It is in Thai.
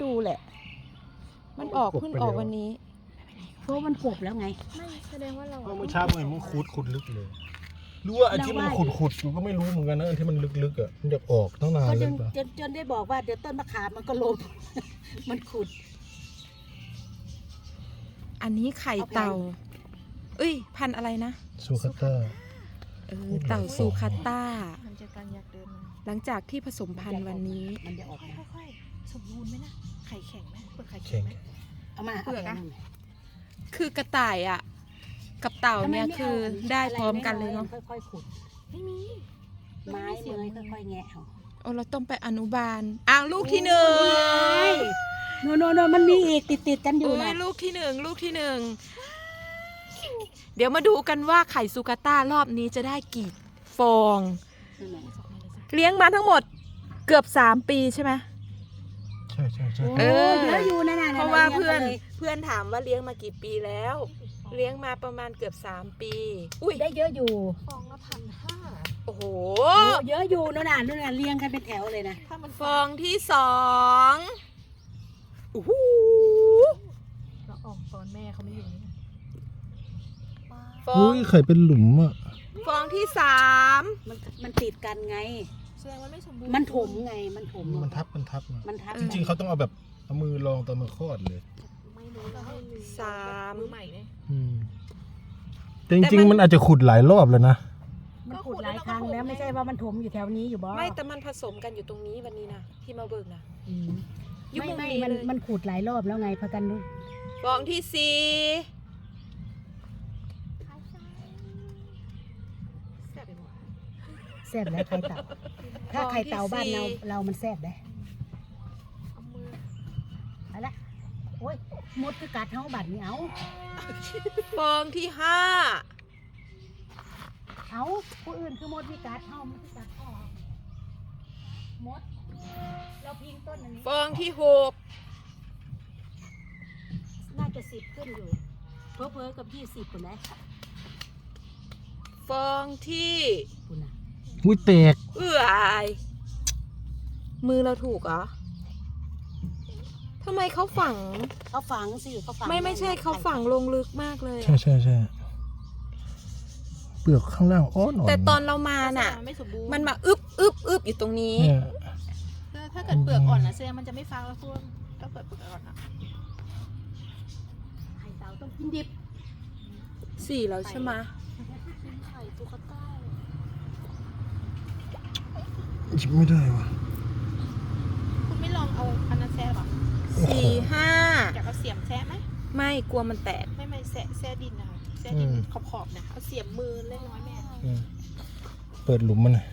ดูแหละมันออกเพิ่งออกวันนี้เพราะมันกบแล้วไงไม่แสดงว่าเราเมื่อเช้ามันขุดลึกเลยรู้ว่าอันที่มันขุดอยู่ก็ไม่รู้เหมือนกันนะอันที่มันลึกๆอ่ะมันอยากออกตั้งนานเลยป่ะจนได้บอกว่าเดี๋ยวต้นมะขามมันก็ล้มมันขุดอันนี้ไข่เต่าเอ้ยพันอะไรนะซูคาต้าเต่าซูคาต้ามันจะการอยากเดินมาหลังจากที่ผสมพันธุ์วันนี้มันจะออกมาค่อยๆสมบูรณ์ไหมนะไข่แข็งไหมเปลือกไข่แข็งไหมเอามาเปลือกอะคือกระต่ายอ่ะกับเต่าเนี่ยคือได้พร้อมกันเลยเนาะค่อยๆขุดไม่มีไม้เมยค่อยๆแงะเอาเราต้องไปอนุบาลอ้าวลูกที่หนึ่งโนมันมีอีกติดกันอยู่นะลูกที่หนึ่งเดี๋ยวมาดูกันว่าไข่ซูคาต้ารอบนี้จะได้กี่ฟองเลี้ยงมาทั้งหมดเกือบ3 ปีใช่ไหมใช่เยอะอยู่นะเพราะว่าเพื่อนถามว่าเลี้ยงมากี่ปีแล้วเลี้ยงมาประมาณเกือบ3 ปีอุ้ยได้เยอะอยู่ฟองละ1,500 โอ้โหเยอะอยู่นั่นน่ะเรียงกันเป็นแถวเลยนะฟองที่2โอ้โหเราออกตอนแม่เขาไม่อยู่นี่ฟองไข่เป็นหลุมอ่ะฟองที่3 มันติดกันไงแสดงว่าไม่สมบูรณ์มันถมไงมันถมมันทับจริงๆเขาต้องเอาแบบเอามือลองตอนมันคลอดเลยไม่รู้เราให้ 3 มือใหม่เนี่ยแต่จริงๆมันอาจจะขุดหลายรอบแล้วนะมันขุดหลายครั้งแล้วไม่ใช่ว่ามันถมอยู่แถวนี้อยู่บ่ไม่แต่มันผสมกันอยู่ตรงนี้วันนี้นะที่มาเบิกนะไม่มันขุดหลายรอบแล้วไงพากันดูฟองที่4 แซ่บแล้วไข่เต่าถ้าไข่เต่าบ้านเรามันแซ่บได้เอาละโอ้ยมดคือกัดเท้าบัดนี่เอาฟองที่5 เอาผู้อื่นคือมดมีกัดเท้ามันคือกัดพ่อมดเราพิงต้นอันนี้ฟองที่6 น่าจะ10ขึ้นอยู่เพ้อกับ20คนนะฟองที่คุณน่ะอุ้ยแตกมือเราถูกเหรอทำไมเขาฝังสิเขาฝังไม่ใช่เขาฝังลงลึกมากเลยใช่เปลือกข้างล่างอ่อนแต่ตอนเรามาน่ะมันมาอึบอยู่ตรงนี้ถ้าเกิดเปลือกอ่อนนะแสดงมันจะไม่ฟังแล้วพวกถ้าเกิดเปลือกอ่อนนะไข่เต่าต้องกินดิบ 4แล้วใช่ไหมไข่ตุ๊กตาหยิบไม่ได้ว่ะคุณไม่ลองเอาอันนั้นแซ่หรอ 4 5 อยากเอาเสียมแซ่ไหมไม่กลัวมันแตกไม่แซ่ดินนะคะแซ่ดินขอบๆนะเอาเสียมมือเล็กน้อยแม่เปิดหลุมมัน